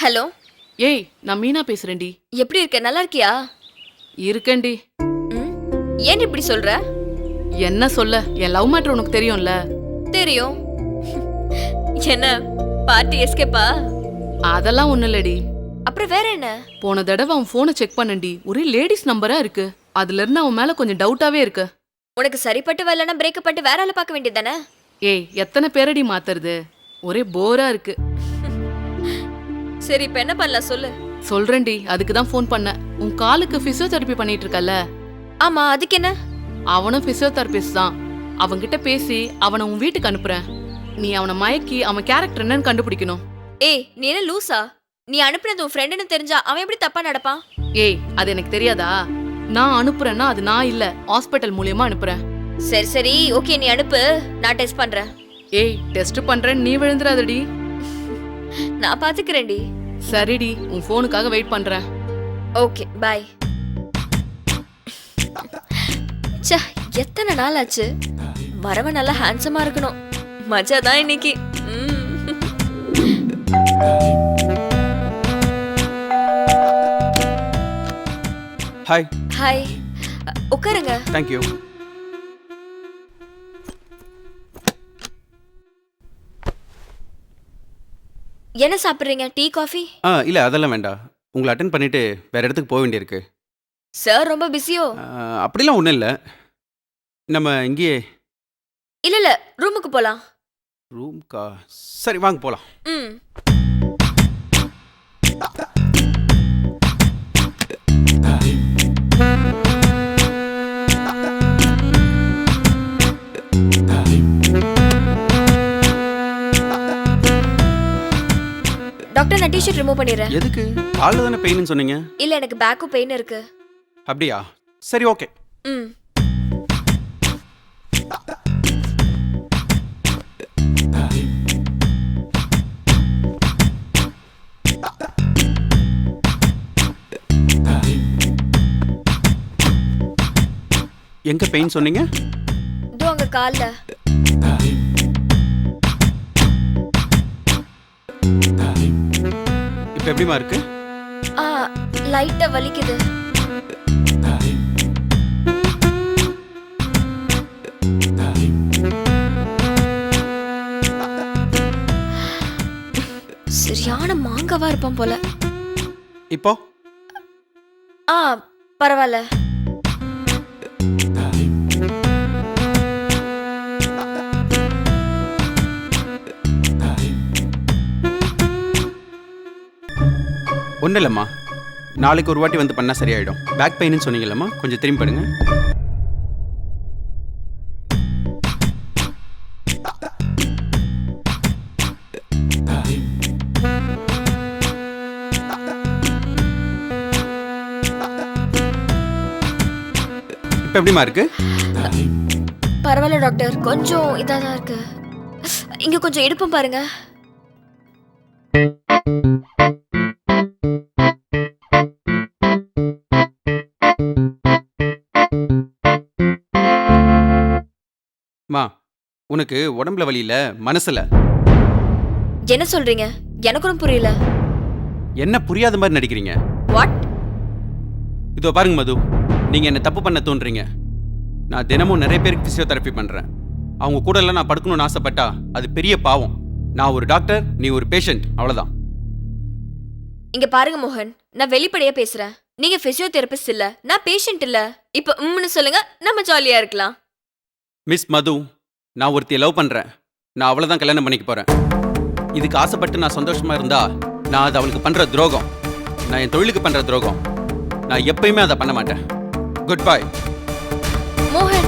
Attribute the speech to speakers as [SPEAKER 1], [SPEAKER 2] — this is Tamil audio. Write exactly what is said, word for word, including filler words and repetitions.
[SPEAKER 1] ஹலோ.
[SPEAKER 2] ஏய், நான் மீனா பேசுறேன்டி.
[SPEAKER 1] எப்படி இருக்க? நல்லா இருக்கியா?
[SPEAKER 2] இருக்கேன்டி.
[SPEAKER 1] ம், ஏன் இப்படி சொல்ற?
[SPEAKER 2] என்ன சொல்ல, என் லவ் மேட்டர் உனக்கு தெரியும்ல.
[SPEAKER 1] தெரியும். என்ன பார்ட்டி எஸ்கேப்பா?
[SPEAKER 2] அதெல்லாம் ஒண்ணு இல்லடி.
[SPEAKER 1] அப்புறம் வேற என்ன?
[SPEAKER 2] போன தடவை அவன் போனை செக் பண்ணண்டி, ஒரே லேடிஸ் நம்பரா இருக்கு. அதுல இருந்து அவன் மேல கொஞ்சம் டவுட்டாவே இருக்கு.
[SPEAKER 1] உனக்கு சரிப்பட்டு வரலன்னா பிரேக்கப் பண்ணிட்டு வேற ஆளை பார்க்க வேண்டியதானே?
[SPEAKER 2] ஏய், எத்தனை பேரடி மாத்துறது? ஒரே போரா இருக்கு.
[SPEAKER 1] சரி, இப்ப என்ன பண்ணலாம் சொல்லு.
[SPEAKER 2] சொல்றேன்டி, அதுக்கு தான் ஃபோன் பண்ணேன். உன் காலுக்கு பிசியோதெரபி பண்ணிட்டு இருக்கல்ல?
[SPEAKER 1] ஆமா, அதுக்கு என்ன?
[SPEAKER 2] அவனும் பிசியோதெரபிஸ்ட் தான். அவன்கிட்ட பேசி அவனை உன் வீட்டுக்கு அனுப்புறேன். நீ அவனை மயக்கி அவன் கேரக்டர் என்னன்னு கண்டுபிடிக்கணும்.
[SPEAKER 1] ஏய், நீ என்ன லூசா? நீ அனுப்புனது உன் ஃப்ரெண்டுன்னு தெரிஞ்சா அவன் எப்படி தப்பா நடப்பான்?
[SPEAKER 2] ஏய், அது எனக்கு தெரியாதா? நான் அனுப்புறேன்னா அது நான் இல்ல, ஹாஸ்பிட்டல் மூலியமா அனுப்புறேன்.
[SPEAKER 1] சரி சரி, ஓகே, நீ அனுப்பு, நான் டெஸ்ட் பண்றேன்.
[SPEAKER 2] ஏய், டெஸ்ட் பண்றேன், நீ விழுந்துறாதடி.
[SPEAKER 1] நான் பாத்துக்கிறேன்டி.
[SPEAKER 2] சரிடி, உன் போனுக்காக வெயிட் பண்றேன்.
[SPEAKER 1] Okay, bye. ச்சே, எத்தனை நாள் ஆச்சு. வரவன் நல்லா ஹேண்ட்ஸமா இருக்கணும். மஜா தான் இன்னைக்கு.
[SPEAKER 3] ஹாய்.
[SPEAKER 1] ஹாய், உட்காருங்க.
[SPEAKER 3] Thank you.
[SPEAKER 1] என்ன சாப்பிடுறீங்க? Tea, coffee?
[SPEAKER 3] ஆ இல்லை, அதெல்லாம் வேண்டாம். உங்களை அட்டென்ட் பண்ணிவிட்டு வேறு இடத்துக்கு போக வேண்டியிருக்கு.
[SPEAKER 1] சார் ரொம்ப பிஸியோ?
[SPEAKER 3] அப்படிலாம் ஒன்றும் இல்லை. நம்ம இங்கேயே.
[SPEAKER 1] இல்ல இல்ல, ரூமுக்கு போலாம்.
[SPEAKER 3] ரூம்க்கா? சரி, வாங்க போகலாம்.
[SPEAKER 1] ம். டாக்டர், நான் டி-ஷர்ட் ரிமூவ் பண்ணிடுறேன்.
[SPEAKER 3] எதுக்கு? காலில் தானே பெயின்னு சொன்னீங்க.
[SPEAKER 1] இல்ல, எனக்கு பேக்கும் பெயின் இருக்கு.
[SPEAKER 3] அப்படியா? சரி, ஓகே.
[SPEAKER 1] ம்.
[SPEAKER 3] எங்க பெயின் சொன்னீங்க?
[SPEAKER 1] இதோ அங்க கால்ல.
[SPEAKER 3] இப்போ எப்படிமா இருக்கு?
[SPEAKER 1] ஆ, லைட்டா வலிக்குது. சரியான மாங்கவா இருப்பான் போல.
[SPEAKER 3] இப்போ?
[SPEAKER 1] ஆ, பரவாயில்ல.
[SPEAKER 3] ஒன்றும் இல்லைம்மா, நாளைக்கு ஒரு வாட்டி வந்து பண்ணால் சரியாயிடும். பேக் பெயின்னு சொன்னீங்கல்லம்மா, கொஞ்சம் திரும்பி பண்ணுங்க. இப்போ எப்படிமா இருக்கு?
[SPEAKER 1] பரவாயில்ல டாக்டர், கொஞ்சம் இதாக தான் இருக்கு. இங்க கொஞ்சம் இடுப்பும் பாருங்க.
[SPEAKER 3] மா, உனக்கு உடம்புல வலி இல்ல, மனசுல.
[SPEAKER 1] என்ன சொல்றீங்க? எனக்கு ஒன்றும் புரியல.
[SPEAKER 3] என்ன புரியாத மாதிரி நடிக்கிறீங்க?
[SPEAKER 1] வாட்?
[SPEAKER 3] இதோ பாருங்க மது, நீங்க என்ன தப்பு பண்ண தோன்றீங்க. நான் தினமும் நிறைய பேருக்கு பிசியோதெரபி பண்றேன். அவங்க கூட எல்லாம் நான் படுக்கணும்னு ஆசைப்பட்டா அது பெரிய பாவம். நான் ஒரு டாக்டர், நீ ஒரு பேஷண்ட், அவ்வளவுதான்.
[SPEAKER 1] இங்க பாருங்க மோகன், நான் வெளிப்படையா பேசுறேன். நீங்க பிசியோதெரபிஸ்ட் இல்ல, நான் பேஷண்ட் இல்ல. இப்ப உம்னு சொல்லுங்க, நம்ம ஜாலியா இருக்கலாம்.
[SPEAKER 3] மிஸ் மது, நான் ஒருத்தியை லவ் பண்றேன். நான் அவளை தான் கல்யாணம் பண்ணிக்க போறேன். இதுக்கு ஆசைப்பட்டு நான் சந்தோஷமா இருந்தா நான் அது அவளுக்கு பண்ற துரோகம். நான் என் தொழிலுக்கு பண்ற துரோகம். நான் எப்பயுமே அதை பண்ண மாட்டேன். Good bye.
[SPEAKER 1] மோகன்,